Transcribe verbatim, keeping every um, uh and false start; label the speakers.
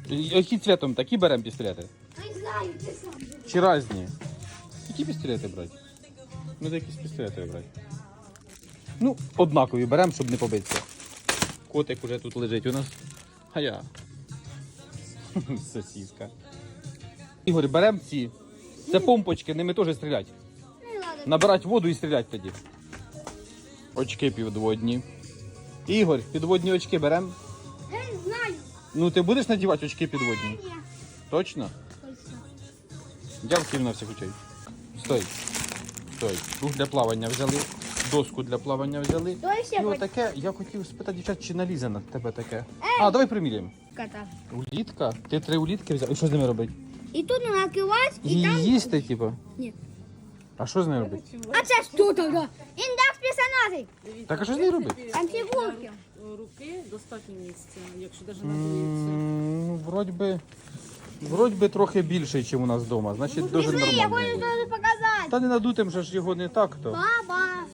Speaker 1: Які цвітом? Такі беремо пістолети?
Speaker 2: Не знаю, ти сам.
Speaker 1: Чи різні? Які пістолети брати? Ну, де якісь пістолети брати. Ну, однакові беремо, щоб не побитися. Котик уже тут лежить у нас. А я. Сосиска. Ігор, беремо ці. Це помпочки, ними теж стрілять.
Speaker 2: Не надо.
Speaker 1: Набирати воду і стріляти тоді. Очки підводні. Ігор, підводні очки беремо.
Speaker 2: Я не знаю.
Speaker 1: Ну, ти будеш надівати очки підводні?
Speaker 2: Ні.
Speaker 1: Точно?
Speaker 2: Точно.
Speaker 1: Дякую на всіх очей. Стой. Стой. Круг для плавання взяли. Доску для плавання взяли.
Speaker 2: Давай ще
Speaker 1: І
Speaker 2: хоч.
Speaker 1: отаке, я хотів спитати, дівчат, чи налізе на тебе таке. А, давай приміряємо.
Speaker 2: Кота.
Speaker 1: Улітка? Ти три улітки взяв? І що з ними робити?
Speaker 2: І тут накриваєш, і
Speaker 1: Її
Speaker 2: там...
Speaker 1: їсти, типу?
Speaker 2: Ні.
Speaker 1: А що з нею робити?
Speaker 2: А це що тоді? Індекс персонажей.
Speaker 1: Так, а що з нею робити?
Speaker 2: Там фігурки.
Speaker 3: Руки достатньо місця, якщо навіть надується.
Speaker 1: М, Ну, вроді би, вроді би трохи більший, ніж у нас вдома. Значить, дуже
Speaker 2: Пішли, я
Speaker 1: нормально.
Speaker 2: хочу тобі показати.
Speaker 1: Та не надутим же ж його не так то.
Speaker 2: Баба.